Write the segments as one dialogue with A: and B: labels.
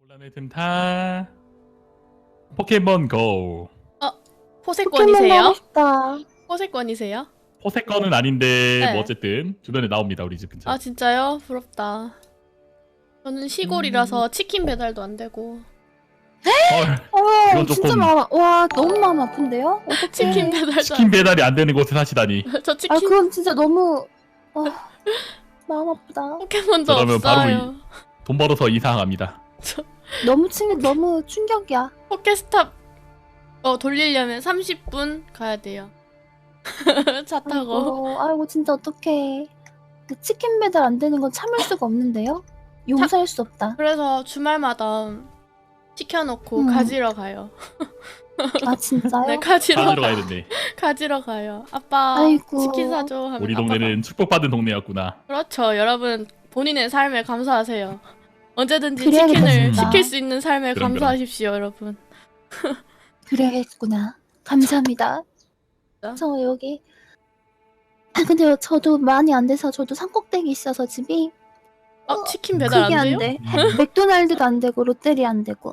A: 논란의 틈타 포켓몬 고.
B: 포세권이세요?
C: 하고 싶다.
B: 포세권이세요?
A: 포세권은 아닌데
B: 네.
A: 뭐 어쨌든 주변에 나옵니다 우리 집 근처.
B: 아 진짜요? 부럽다. 저는 시골이라서 치킨 배달도 안 되고
A: 헐, 이건
C: 진짜
A: 조금-
C: 와 너무 마음 아픈데요? 어떡해.
B: 치킨 배달도
A: 치킨 배달이 안 되는 곳에 사시다니.
B: 저
C: 아
B: 치킨
C: 그건 진짜 너무 마음 아프다.
B: 포켓몬도
A: 그러면 바로
B: 없어요.
A: 돈 벌어서 이사 갑니다.
C: 너무 충격이야.
B: 포켓스탑 돌리려면 30분 가야 돼요. 차 타고.
C: 아이고 진짜 어떡해. 그 치킨 배달 안 되는 건 참을 수가 없는데요? 용서할 수 없다.
B: 그래서 주말마다 시켜놓고 가지러 가요.
C: 아 진짜요?
B: 네, 가지러
A: 사주러 가야 된대.
B: 가지러 가요. 아빠
C: 아이고.
B: 치킨 사줘 하면
A: 우리
B: 아빠가.
A: 동네는 축복받은 동네였구나.
B: 그렇죠. 여러분 본인의 삶에 감사하세요. 언제든지
C: 그래야겠다,
B: 치킨을
C: 진짜.
B: 시킬 수 있는 삶에
A: 그럼.
B: 감사하십시오, 여러분.
C: 그래야겠구나. 감사합니다.
B: 진짜?
C: 저 여기 근데 저도 많이 안 돼서 저도 산꼭대기 있어서 집이
B: 치킨 배달
C: 그게
B: 안
C: 안
B: 돼요?
C: 돼. 맥도날드도 안 되고 롯데리아 안 되고.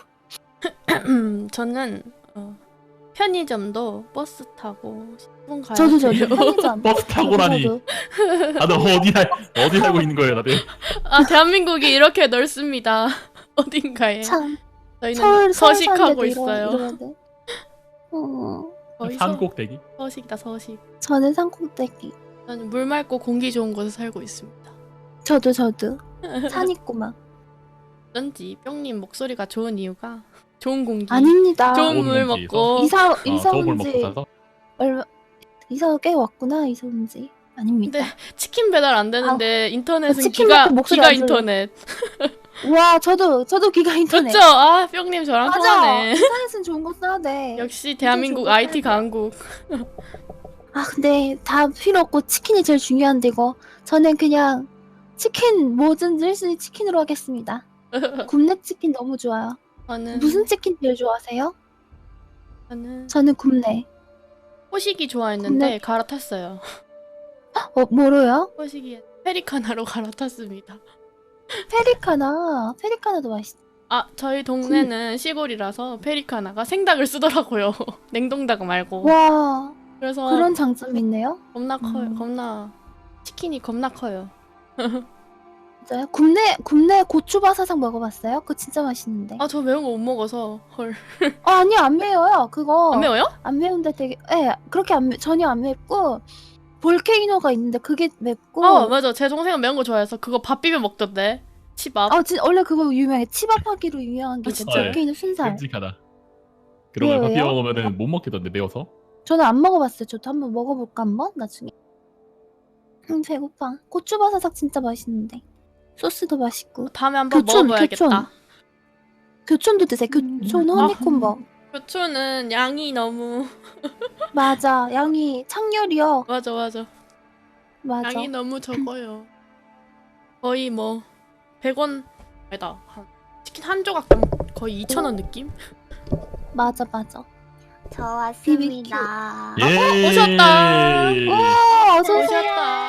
B: 저는 편의점도 버스 타고 10분 가야
C: 저도
B: 돼요.
C: 편의점.
A: 버스 타고라니.
C: 저도.
A: 다들 어디 살고 있는 거예요 다들?
B: 아, 대한민국이 이렇게 넓습니다. 어딘가에.
C: 참
B: 저희는
C: 서울
B: 서식하고
C: 사는데도
B: 있어요.
C: 이러야 돼.
B: 거의
A: 산꼭대기?
B: 서식이다, 서식.
C: 저는 산꼭대기.
B: 저는 물 맑고 공기 좋은 곳에 살고 있습니다.
C: 저도 산 있고 막.
B: 어쩐지 뿅님 목소리가 좋은 이유가 좋은 공기,
C: 아닙니다.
B: 좋은 물
A: 좋은 공기에서?
B: 먹고
C: 이사
A: 저걸
C: 온
A: 먹고
C: 지
A: 사서?
C: 얼마 이사 꽤 왔구나. 이사 온 지. 아닙니다.
B: 근데 치킨 배달 안 되는데 인터넷은
C: 치킨
B: 기가
C: 먹고 목소리
B: 기가
C: 안 들려.
B: 인터넷.
C: 와 저도 기가 인터넷.
B: 그렇죠? 아, 뿅님 저랑
C: 맞아.
B: 통하네.
C: 인터넷은 좋은 거 써야 돼.
B: 역시 대한민국
C: 좋은
B: IT
C: 거야.
B: 강국.
C: 아 근데 다 필요 없고 치킨이 제일 중요한데 이거 저는 그냥 치킨 뭐든지 1순위 치킨으로 하겠습니다. 굽네 치킨 너무 좋아요.
B: 저는
C: 무슨 치킨 제일 좋아하세요?
B: 저는
C: 저는 굽네.
B: 호식이 좋아했는데 갈아탔어요.
C: 뭐로요?
B: 호식이 페리카나로 갈아탔습니다.
C: 페리카나도 맛있어.
B: 아, 저희 동네는 시골이라서 페리카나가 생닭을 쓰더라고요. 냉동닭 말고.
C: 와
B: 그래서
C: 그런 장점이 있네요.
B: 겁나 커요.
C: 음.
B: 겁나 치킨이 겁나 커요.
C: 진짜요? 굽네 고추바사삭 먹어봤어요? 그거 진짜 맛있는데.
B: 아, 저 매운 거 못 먹어서 헐.
C: 아니요 안 매워요. 그거
B: 안 매워요?
C: 안 매운데 되게 그렇게 전혀 안 맵고 볼케이노가 있는데 그게 맵고
B: 맞아. 제 동생은 매운 거 좋아해서 그거 밥 비벼 먹던데. 치밥.
C: 원래 그거 유명해. 치밥하기로 유명한 게
B: 아,
C: 있어.
B: 진짜요?
C: 볼케이노 순살.
A: 끔찍하다. 그런 걸
C: 왜요?
A: 커피 먹으면은 못 먹겠던데 매워서.
C: 저는 안 먹어봤어요. 저도 한번 먹어볼까 한번 나중에. 배고파. 고추바사삭 진짜 맛있는데 소스도 맛있고.
B: 다음에 한번
C: 교촌,
B: 먹어봐야겠다.
C: 교촌도 드세요. 교촌 허니콤보.
B: 교촌은 양이 너무
C: 맞아. 양이 창렬이요.
B: 맞아.
C: 맞아.
B: 양이 너무 적어요. 거의 뭐 100원 아니다. 치킨 한 조각 거의 2,000원 느낌?
C: 맞아.
D: 저 왔습니다.
A: 예.
B: 오셨다.
C: 어서 오세요.
B: 오셨다.